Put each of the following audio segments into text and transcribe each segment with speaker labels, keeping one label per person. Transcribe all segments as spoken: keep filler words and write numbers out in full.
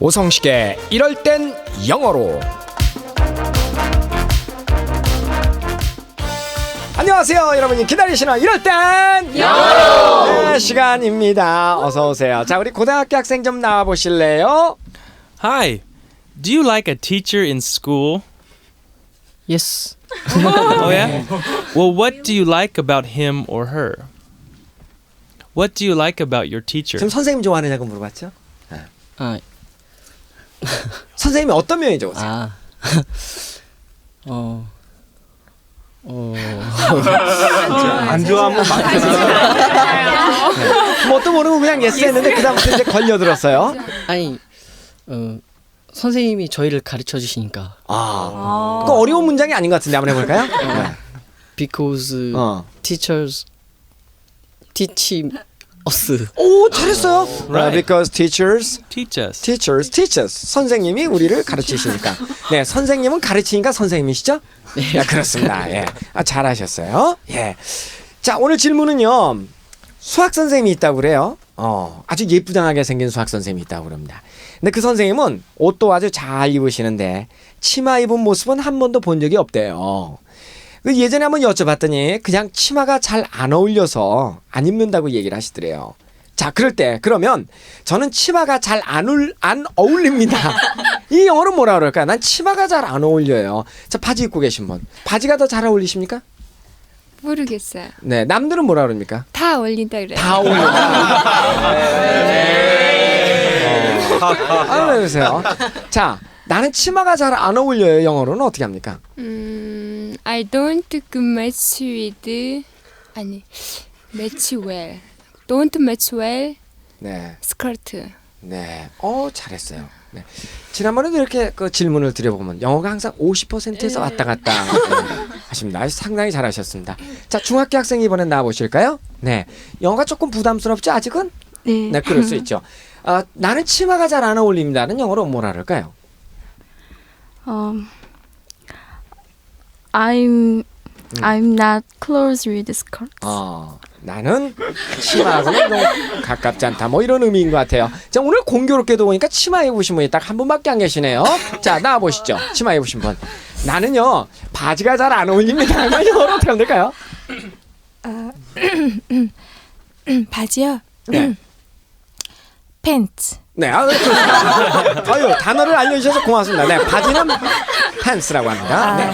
Speaker 1: 오성식의 이럴 땐 영어로. 안녕하세요, 여러분이 기다리시는 이럴 땐 영어로 네, 시간입니다. 어서 오세요. 자, 우리 고등학교 학생 좀 나와 보실래요?
Speaker 2: Hi. Do you like a teacher in school?
Speaker 3: Yes.
Speaker 2: Oh yeah? Well, what do you like about him or her? What do you like about your teacher?
Speaker 1: 지금 선생님 좋아하느냐고 물어봤죠?
Speaker 3: 아,
Speaker 1: 선생님이 어떤 면이 좋으세요?
Speaker 3: 아. 어. 어.
Speaker 4: 안 좋아하면 막
Speaker 1: 뭣도 모르고 그냥 예스 했는데 그 다음부터 이제 걸려들었어요.
Speaker 3: 아니, 어, 선생님이 저희를 가르쳐 주시니까.
Speaker 1: 아, 그 어려운 문장이 아닌 것 같은데 한번 해볼까요? 네.
Speaker 3: Because
Speaker 1: 어.
Speaker 3: teachers teach us.
Speaker 1: 오, 잘했어요.
Speaker 2: Right.
Speaker 1: Because teachers,
Speaker 2: Teach us.
Speaker 1: teachers, teach us. 선생님이 우리를 가르치시니까. 네, 선생님은 가르치니까 선생님이시죠? 네, 그렇습니다. 예, 아, 잘하셨어요. 예. 자, 오늘 질문은요. 수학 선생님이 있다고 그래요. 어, 아주 예쁘장하게 생긴 수학 선생님이 있다고 그럽니다. 근데 그 선생님은 옷도 아주 잘 입으시는데 치마 입은 모습은 한 번도 본 적이 없대요. 그 예전에 한번 여쭤봤더니 그냥 치마가 잘 안 어울려서 안 입는다고 얘기를 하시더래요. 자, 그럴 때 그러면 저는 치마가 잘 안 안 어울립니다. 이 영어로 뭐라 그럴까요? 난 치마가 잘 안 어울려요. 자, 바지 입고 계신 분. 바지가 더 잘 어울리십니까?
Speaker 5: 모르겠어요.
Speaker 1: 네, 남들은 뭐라 그럽니까?
Speaker 5: 다 어울린다 그래요.
Speaker 1: 다 어울린다. 네. 어. 아, 왜 그러세요? 자, 나는 치마가 잘 안 어울려요. 영어로는 어떻게 합니까?
Speaker 5: 음, I don't match with 아니 match well. Don't match well
Speaker 1: 네,
Speaker 5: skirt.
Speaker 1: 네, 어 잘했어요. 네. 지난번에도 이렇게 그 질문을 드려보면 영어가 항상 오십 퍼센트에서 왔다 갔다 네, 하십니다. 상당히 잘하셨습니다. 자, 중학교 학생 이번엔 나와 보실까요? 네, 영어가 조금 부담스럽죠 아직은?
Speaker 5: 네.
Speaker 1: 네, 그럴 수 있죠. 아, 나는 치마가 잘 안 어울립니다는 영어로 뭐라 그럴까요?
Speaker 6: Um, I'm I'm not close with skirt.
Speaker 1: 어, 나는 치마하고는 좀 가깝지 않다. 뭐 이런 의미인 것 같아요. 자, 오늘 공교롭게도 보니까 치마 입으신 분이 딱 한 분밖에 안 계시네요. 자, 나와 보시죠. 치마 입으신 분. 나는요 바지가 잘 안 어울립니다. 영어로 어떻게 하면 될까요?
Speaker 5: 바지요.
Speaker 1: 네.
Speaker 5: 팬츠.
Speaker 1: 네, 아, 그렇습니다. 아유, 단어를 알려주셔서 고맙습니다. 네, 바지는 팬츠라고 합니다. 네.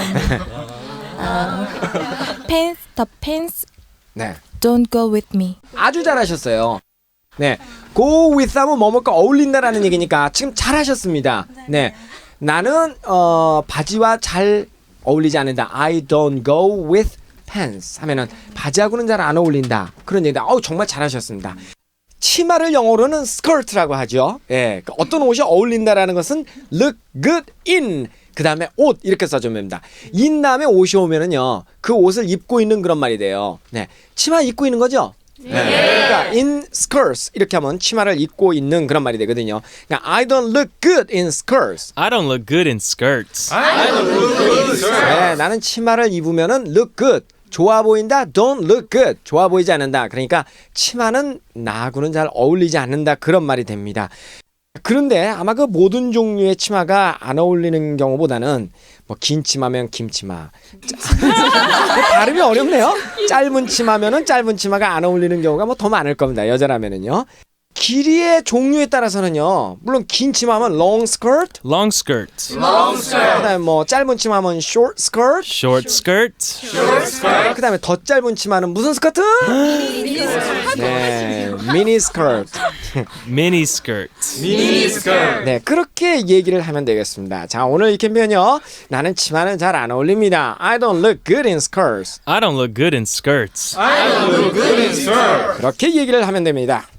Speaker 7: Pants, the pants
Speaker 1: 네,
Speaker 7: don't go with me.
Speaker 1: 아주 잘하셨어요. 네, go with 하면 뭐뭐가 어울린다라는 얘기니까 지금 잘하셨습니다. 네, 나는 어, 바지와 잘 어울리지 않는다. I don't go with pants 하면은 바지하고는 잘 안 어울린다. 그런 얘기다. 어우, 정말 잘하셨습니다. 치마를 영어로는 skirt라고 하죠. 예, 그 어떤 옷이 어울린다라는 것은 look good in 그 다음에 옷 이렇게 써주면 됩니다. in 다음에 옷이 오면은요 그 옷을 입고 있는 그런 말이 돼요. 네, 치마 입고 있는 거죠. 네. 그러니까 in skirts 이렇게 하면 치마를 입고 있는 그런 말이 되거든요. 그러니까 I don't look good in skirts.
Speaker 2: I don't look good in skirts.
Speaker 1: 네, 나는 치마를 입으면은 look good. 좋아 보인다. Don't look good. 좋아 보이지 않는다. 그러니까 치마는 나하고는 잘 어울리지 않는다. 그런 말이 됩니다. 그런데 아마 그 모든 종류의 치마가 안 어울리는 경우보다는 뭐 긴 치마면 긴 치마. 발음이 어렵네요. 짧은 치마면은 짧은 치마가 안 어울리는 경우가 뭐 더 많을 겁니다. 여자라면은요. 길이의 종류에 따라서는요. 물론 긴 치마면 long skirt,
Speaker 2: Long skirt.
Speaker 1: 그다음에 뭐 짧은 치마면 short skirt,
Speaker 2: Short skirt.
Speaker 1: 그다음에 더 짧은 치마는 무슨 스커트? 네, 미니 스커트.
Speaker 2: Mini skirt.
Speaker 1: 네, 그렇게 얘기를 하면 되겠습니다. 자, 오늘 이 캠페인요. 나는 치마는 잘 안 어울립니다. I don't look good in skirts.
Speaker 2: I don't look good in skirts.
Speaker 1: 그렇게 얘기를 하면 됩니다.